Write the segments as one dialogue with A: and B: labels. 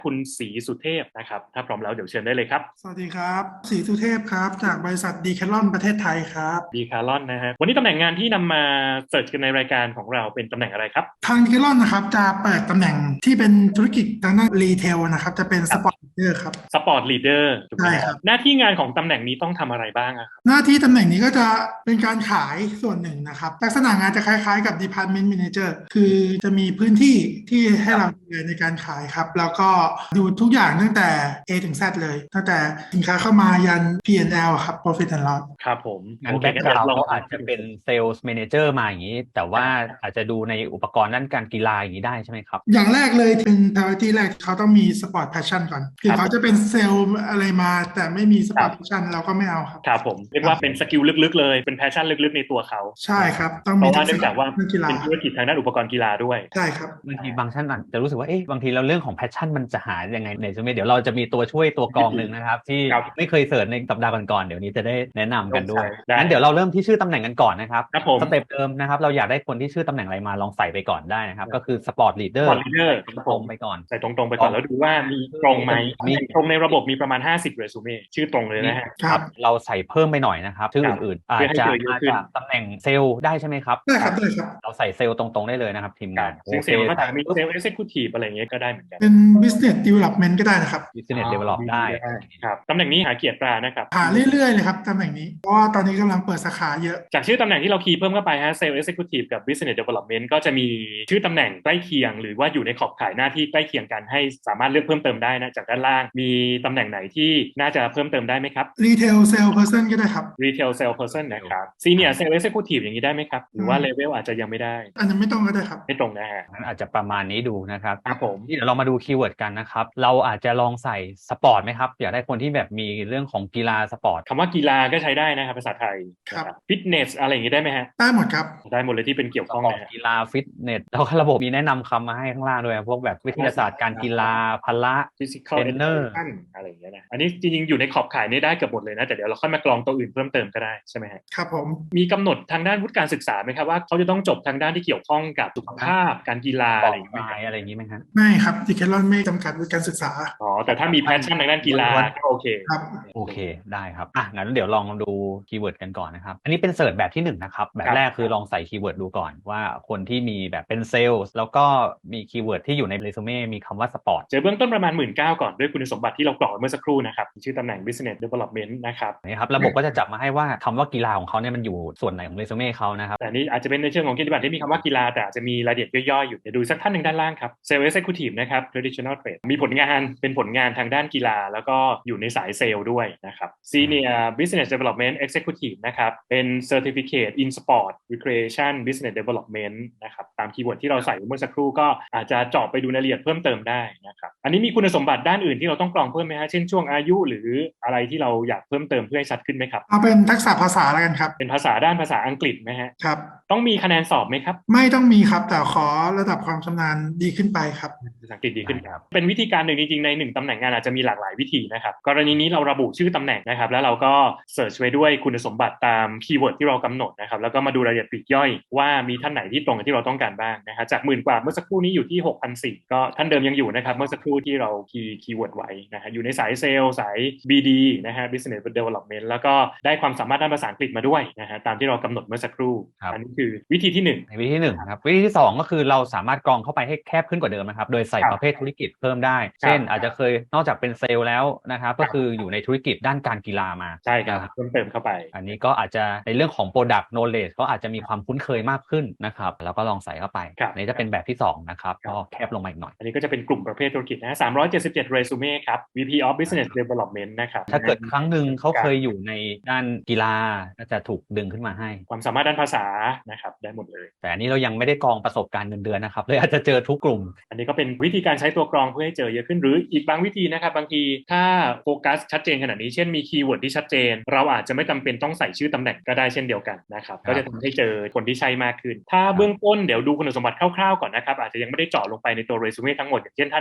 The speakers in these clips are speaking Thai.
A: คุณศรีสุเทพนะครับถ้าพร้อมแล้วเดี๋ยวเชิญได้เลยครับ
B: สวัสดีครับศรีสุเทพครับจากบริษัทดีแคทลอนประเทศไทยครับ
A: ดีคาร์ลอนนะฮะวันนี้ตำแหน่งงานที่นำมาเสิร์ชกันในรายการของเราเป็นตำแหน่งอะไรครับ
B: ทางดีแคทลอนนะครับจะเปิดตำแหน่งที่เป็นธุรกิจทางด้านรีเทลนะครับจะเป็น
A: ครับ
B: สปอร์ตเดอร์ครับ
A: สปอร์ตลีดเดอร์ถูกไหม
B: ใช่
A: ฮะ
B: ครับ
A: หน้าที่งานของตำแหน่งนี้ต้องทำอะไรบ้างอะครับ
B: หน้าที่ตำแหน่งนี้ก็จะเป็นการขายส่วนหนึ่งนะครับลักษณะงานจะคล้ายๆกับ Department Manager คือจะมีพื้นที่ที่ให้เราดูแลในการขายครับแล้วก็ดูทุกอย่างตั้งแต่ A ถึง Z เลยตั้งแต่สินค้าเข้ามายัน P&L ครับ Profit and Loss
A: ครับผมโอ
C: งั้น
A: เค
C: แบ็กกราว n ์
A: งั้นเดี๋ยวลอง
C: เขาอาจจะเป็นเซลส์ m ม n นเจอร์มาอย่างนี้ แต่ว่าอาจจะดูในอุปกรณ์ด้านการกีฬาอย่างนี้ได้ใช่ไหมครับ
B: อย่างแรกเลยเป็น priority แรกเขาต้องมี sport passion ก่อนถึงเขาจะเป็นเซลล์อะไรมาแต่ไม่มี
A: ครั
B: sport
A: บ
B: passion เราก็ไม่เอาครับ
A: ครับผมเรียกว่าเป็นสกิลลึกๆเลยเป็นแพชชั่นลึกๆในตัวเขา
B: ใช่ครับต้อง
A: เพราะว่า
B: มีทักษะ
A: เนื่องจากว่า
B: เรื่องกีฬา
A: เป็นธุรกิจทางด้านอุปกรณ์กีฬาด้วย
B: ใช่ครับ
C: บางทีบางท่านอาจจะรู้สึกว่าเอ๊ะบางทีเราเรื่องของแพชชั่นมันจะหายังไงในเเดี๋ยวเราจะมีตัวช่วยตัวกรองหนึ่งนะครับที่
A: ครับ
C: ไม่เคยเสิร์ชในสัปดาห์ก่อนๆเดี๋ยวนี้จะได้แนะนำกันด้วย
A: ได้
C: งั้นเดี๋ยวเราเริ่มที่ชื่อตำแหน่งกันก่อนนะครับ
A: ครับผม
C: สเต็ปเดิมนะครับเราอยากได้คนที่ชื่อตำแหน่งอะไรมาลองใส่ไปก่อนได้นะครับก็คือสปอร์ตลีดเดอร์
A: สปอร์ตลีดเดอร์ครับผม
C: ตรงไปก่อน
A: ใส่ตรงๆไปก่อนแล้วดูว่ามีตรงไหมตำ
C: มี
A: แหน่งตรงในระบบมีประมาณ50เรซูเม่ชื่อตรงเลยนะฮะ
B: ครับ
C: เราใส่เพิ่มไปหน่อยนะครับชื่อ
A: ครับ
C: อื่นๆอา
A: เพื่อให้
C: จจะ
A: เจอเยอะ
C: มา
A: ขึ้น
C: จากตำแหน่งเซลล์ได้ใช่ไหมครับ
B: ได้ครับได้ครับ
C: เราใส่เซลล์ตรงๆได้เลยนะครับทีม
A: ครั
C: งานโอ
A: บซึ่งเซ
C: เค
A: ลล์ก็จะมี
C: ใส่ปุ๊บ
A: เซลล์เอ็กเซคิวทีฟอะไรอย่างเงี้ยก็ได้เหมือนกัน
B: เป็น business development ก็ได้นะครับ
C: Business Develop
A: ดี
C: ได้
A: ได้ครับตำแหน่งนี้หาเกียรติตรานะครับ
B: หาเรื่อยๆเลยครับตำแหน่งนี้เพราะว่าตอนนี้กำลังเปิดสาขาเยอะ
A: จากชื่อตำแหน่งที่เราคีย์เพิ่มเข้าไปฮะเซลล์เอ็กเซคิวทีฟกับ Business Development ก็จะมีชื่อตำแหน่งใกล้เคียงหรือว่าอยู่ในขอบข่ายหน้าที่ใกล้เคียงกันให้สามารถเลือกเพิ่มเติมได้นะจากด้านล่างมีตำแหน่งไหนที่น่าจะเพิ่มเติมได้ไหมครับ
B: retail sales person ก็ได้ครับ
A: Retail Sales Person นะครับ Senior Sales Executive อย่างนี้ได้ไหมครับหรือว่าเลเวลอาจจะยังไม่ได้
B: อันนั้นไม่ต้องก็ได้ครับ
A: ไม่ตรงนะฮะ
C: งั้นอาจจะประมาณนี้ดูนะครับ
A: ครับผม
C: นี่เดี๋ยวเรามาดูคีย์เวิร์ดกันนะครับเราอาจจะลองใส่สปอร์ตไหมครับอยากได้คนที่แบบมีเรื่องของกีฬาสปอร์ต
A: คำว่ากีฬาก็ใช้ได้นะครับภาษาไทย
B: ครับ
A: ฟิตเนสอะไรอย่างนี้ได้ไหมฮะ
B: ได้หมดครับ
A: ได้หมดเลยที่เป็นเกี่ยว
C: สปอร์ต
A: ข้องนะฮะ
C: กีฬาฟิตเนสแล้วก็ระบบมีแนะนำคำมาให้ข้างล่างด้วยพวกแบบวิทยาศาสตร์การกีฬาพละ
A: Physical
C: เทรนเนอร์
A: Education อะไรอย่างเงี้ยนะอันนี้จริงๆอยู่ในขอบข่ายนี้ได้เกือบหมดเลยนะแต่เดี๋ยวเราค่อยมากรองตัวอื่นเพิ่มเติมก็ได้ใช่ไหมฮะ
B: ครับผม
A: มีกำหนดทางด้านวุฒิการศึกษาไหมครับว่าเขาจะต้องจบทางด้านที่เกี่ยวข้องกับสุขภาพการกีฬา
C: บ
A: อะไร
C: อก
A: อย่างเงี้ยไหมครับ
C: ไอะไรอย่างนี้ไหมครับ
B: ไม่ครับดีแคทลอนไม่จำกัดวุฒิการศึกษา
A: อ๋อแต่ถ้ามีแพชชั่นทางด้านกีฬาก็โอเค
B: ครับ
C: โอเคได้ครับงั้นเดี๋ยวลองดูคีย์เวิร์ดกันก่อนนะครับอันนี้เป็นเสิร์ชแบบที่1นะครับแบบแรกคือลองใส่คีย์เวิร์ดดูก่อนว่าคนที่มีแบบเป็นเซลล์แล้วก็มีคีย์เวิร์ดที่อยู่ในเรซูเม่มีคำว่าสปอร์ต
A: เจอเบื้องต้นประมาณ19,000ก่อนด้วยคุณสมบัติที่เรากรอกเมื่อสักครู่นะครับชื่อตำแหน่ง Business Development นะครับ
C: นะครับระบบก็จะจับมาให้ว่าคำว่ากีฬาของเขาเนี่ยมันอยู่ส่วนไหนของเรซูเม่เขานะครับ
A: แต่นี่อาจจะเป็นในเชิงของกิจบัตรที่มีคำว่ากีฬาแต่อาจจะมีรายละเอียดย่อยๆอยู่เดี๋ยวดูสักท่านหนึ่งด้านล่างครับ Sales Executive นะครับ Traditional Trade มีผลงานเป็นผลงานทางด้านกีฬาแล้วก็อยู่ในสายเซลล์ด้วยนะครับ Senior Business Development Executive นะครับเป็น Certificate in Sport Recreation Business Development นะครับตามคีย์เวิร์ดที่เราใส่เมื่อสักครู่ก็อาจจะเจาะไปดูรายละเอียดเพิ่มเติมได้นะครับอันนี้มีคุณสมบัติด้านอื่นที่เราต้องกรองเพิ่มไหมฮะเช่นช่วงอายุหรืออะไรที่เราอยากเพิ่มเติมเพื่อให้ชัดขึ้นไหมครับ
B: เอาเป็นทักษะภาษาแล้วกันครับ
A: เป็นภาษาด้านภาษาอังกฤษไหมฮะ
B: ครับ
A: ต้องมีคะแนนสอบไหมครับ
B: ไม่ต้องมีครับแต่ขอระดับความชำนาญดีขึ้นไปครับ
A: ภาษาอังกฤษดีขึ้นครับเป็นวิธีการหนึ่งจริงๆใน1ตำแหน่งงานอาจจะมีหลากหลายวิธีนะครับกรณีนี้เราระบุชื่อตำแหน่งนะครับแล้วเราก็เสิร์ชไว้ด้วยคุณสมบัติตามคีย์เวิร์ดที่เรากำหนดนะครับแล้วก็มาดูรายละเอียดปลีกย่อยว่ามีท่านไหนที่ตรงกับที่เราต้องการบ้างนะฮะจาก10,000 กว่าเมื่อสักครู่นี้อยู่ที่6,400ก็ท่านเดิมยังอยู่นะครับเมื่อสักครู่ที่เราคีย์เวิร์ดไว้นะฮะอยู่ในสายเซลล์สาย BD นะฮะ Business Development แล้วก็ได้ความสามารถด้านภาษาอังกฤษมาด้วยนะฮะตามที่เรากำหนดเมื่อสักครู่อันนี้คือวิธีที่1
C: ในวิธีที่1ครับวิธีที่2ก็คือเราสามารถกรองเข้าไปให้แคบขึ้นกว่าเดิมนะครับโดยใส่ประเภทธุรกิจเพิ่มได้เช่นอาจจะเคยนอกจากเป็นเซลล์แล้วนะครับก็คืออยู่ในธุรกิจด้านการกีฬามา
A: ใช่ครับเพิ่มเติมเข้าไป
C: อันนี้ก็อาจจะในเรื่องของ Product Knowledge ก็อาจจะมีความคุ้นเคยมากขึ้นนะครับแล้วก็ลองใส่เข้าไปอันนี้จะเป็นแบบที่2นะครับก็แคบลงมาอีกหน่อย
A: อันนี้ก็จะเป็นกลุ่มประเภทธุรกิจนะ377เรซูเม่ครับ VP of Business Development นะครับ
C: ถ้าเกิดครั้งหนึ่งเขาเคยอยู่ในด้านกีฬาก็จะถูกดึงขึ้นมาให้
A: ความสามารถด้านภาษานะครับได้หมดเลย
C: แต่อันนี้เรายังไม่ได้กรองประสบการณ์เงินเดือนนะครับเลยอาจจะเจอทุกกลุ่ม
A: อันนี้ก็เป็นวิธีการใช้ตัวกรองเพื่อให้เจอเยอะขึ้นหรืออีกบางวิธีนะครับบางทีถ้าโฟกัสชัดเจนขนาดนี้เช่นมีคีย์เวิร์ดที่ชัดเจนเราอาจจะไม่จำเป็นต้องใส่ชื่อตำแหน่งก็ได้เช่นเดียวกันนะครับก็จะทำให้เจอคนที่ใช่มากขึ้นถ้าเบื้องต้นเดี๋ยวดูคุณสมบัติคร่าวๆก่อนนะครับอาจจะยังไม่ได้เจาะลงไปในตัวเรซูเม่ทั้งหมดอย่างเช่นท่านนี้เรา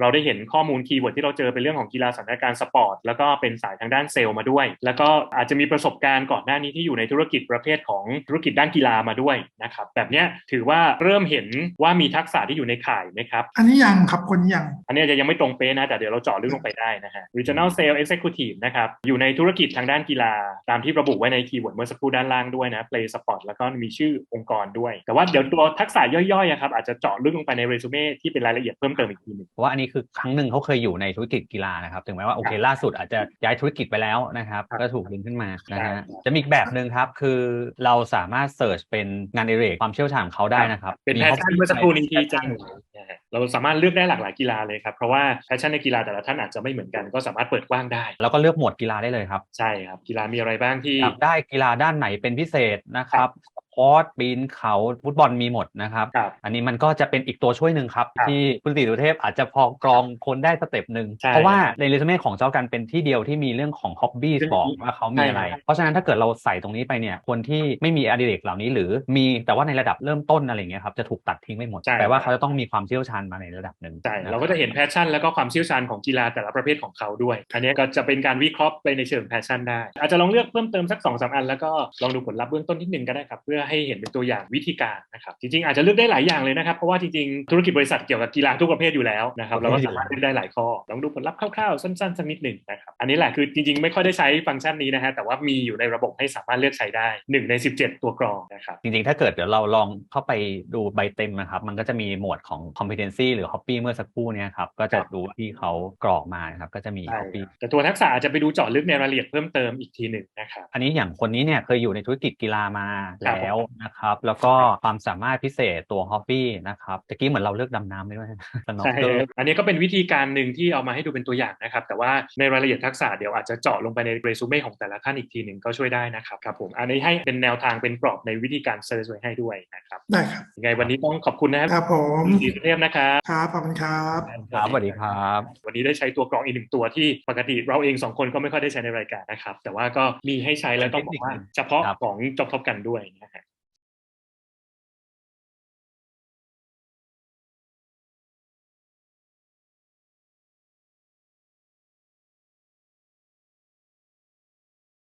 A: เราได้เห็นข้อมูลคีย์เวิร์ดที่เราเจอเป็นเรื่องของกีฬาสันทนาการสปอร์ตแล้วก็เป็นสายทางด้านเซลล์มาด้วยแล้วก็อาจจะมีประสบการณ์ก่อนหน้านี้ที่อยู่ในธุรกิจประเภทของธุรกิจด้านกีฬามาด้วยนะครับแบบนี้ถือว่าเริ่มเห็นว่ามีทักษะที่อยู่ในข่ายไหมครับ
B: อันนี้ยังครับคนยัง
A: อันนี้จะยังไม่ตรงเป๊ะนะแต่เดี๋ยวเราเจาะลึกลงไปได้นะฮะ Regional Sales Executive นะครับอยู่ในธุรกิจทางด้านกีฬาตามที่ระบุไว้ในคีย์เวิร์ดเมื่อสักครู่ด้านล่างด้วยนะ Play Sport แล้วก็มีชื่อองค์กรด้วยแต่ว่าเดี๋ยวตัวทักษะย่อยๆครับอาจจะเจาะลึกลงไปในเรซูเม่ที่เป็นรายละเอียดเพิ่มเติมอีกทีนึง
C: เพราะว่าอันนี้คือครั้งหนึ่งเขาเคยอยู่ในธุรกิจกีฬานะครับถึงแม้ว่าโอเคล่าสุดอาจจะย้ายธุรกิจไปแล้วนะครับก็ถูกดึงขึ้นมานะฮะจะมีอีกแบบนึงครับคือเราสามารถเสิร์ชเป็นงานอดิเรกความเชี่ยวชาญของเขาได้นะครับ
A: เป็นแพชชั่นเมื่อสักครู่นี้ที่แจ้งเราสามารถเลือกได้หลากหลายกีฬาเลยครับเพราะว่าแพชชั่นในกีฬาแต่ละท่านอาจจะไม่เหมือนกันก็สามารถเปิดกว้างได้
C: แล้วก็เลือกหมวดกีฬาได้เลยครับ
A: ใช่ครับกีฬามีอะไรบ้างที่
C: อยากได้กีฬาด้านไหนเป็นพิเศษนะครับคอร์สปีนเขาฟุตบอลมีหมดนะครับอันนี้มันก็จะเป็นอีกตัวช่วยหนึ่งครับที่คุณศรีสุเทพอาจจะพอกรองคนได้สเต็ปหนึ่งเพราะว่าในเรซูเม่ของเจ้ากันเป็นที่เดียวที่มีเรื่องของฮ็อบบี้บอกว่าเขามีอะไรเพราะฉะนั้นถ้าเกิดเราใส่ตรงนี้ไปเนี่ยคนที่ไม่มีอดิเรกเหล่านี้หรือมีแต่ว่าในระดับเริ่มต้นอะไรเงี้ยครับจะถูกตัดทิ้งไม่หมดแปลว่าเขาจะต้องมีความเชี่ยวชาญมาในระดับหนึ่ง
A: ใช่เราก็จะเห็นแพชชั่นแล้วก็ความเชี่ยวชาญของกีฬาแต่ละประเภทของเขาด้วยอันนี้ก็จะเป็นการวิเคราะห์ไปในเชิงแพชชั่นได้อาจจะลองเลือกเพิ่มเติมสัก 2-3 อันแล้วก็ลองดูผลลัพธ์เบื้องต้นนิดนึงก็ได้ครับเพื่อให้เห็นเป็นตัวอย่างวิธีการนะครับจริงๆอาจจะเลือกได้หลายอย่างเลยนะครับเพราะว่าจริงๆธุรกิจบริษัทเกี่ยวกับกีฬาทุกประเภทอยู่แล้วนะครับเราก็สามารถเลือกได้หลายข้อลองดูผลลัพธ์คร่าวๆสั้นๆสักนิดหนึ่งนะครับอันนี้แหละคือจริงๆไม่ค่อยได้ใช้ฟังก์ชันนี้นะฮะแต่ว่ามีอยู่ในระบบให้สามารถเลือกใช้ได้1ใน17ตัวกรองนะครับ
C: จริงๆถ้าเกิดเดี๋ยวเราลองเข้าไปดูใบเต็มนะครับมันก็จะมีหมวดของ competency หรือ hobby เมื่อสักครู่นี้ครับก็จะดูที่เขากรอกมาครับก็จะมี hobby
A: แต่ตัวทักษะอาจจะไปดูเจาะลึกในรายละเอียดเพิ่มเติมอีกทีหนึ่งนะครับ
C: อันนี้อย่างคนนี้เนี่ยเคยอยู่ในธุรกิจกีฬามาแล้วนะครับแล้วก็ความสามารถพิเศษตัว hobby นะครับตะกี้เหมือนเราเลือกดำน้ำไปด้วย
A: ใช่อันนี้ก็เป็นวิธีการหนึ่งที่เอามาให้ดูเป็นตัวอย่างนะครับแต่ว่าในรายละเอียดทักษะเดี๋ยวอาจจะเจาะลงไปในเรซูเม่ของแต่ละท่านอีกทีหนึ่งก็ช่วยได้นะครับครับผมอันนี้ให้เป็นแนวทางเป็นกรอบในวิธีการเซิร์ชไว้ให้ด้วยนะครับ
B: ได้ครับ
A: ยังไงวันนี้ต้องขอบคุณนะครับ
B: ผม
A: ศรีสุเทพนะครับ
B: ครับขอบคุณครับ
C: ครับสวัสดีครับ
A: วันนี้ได้ใช้ตัวกรองอีก1ตัวที่ปกติเราเอง2คนก็ไม่ค่อยได้ใช้ในรายการนะครับแต่ว่าก็มีให้ใช้แล้วต้องบอกว่าเฉพาะของ Job Top กันด้วยนะฮะ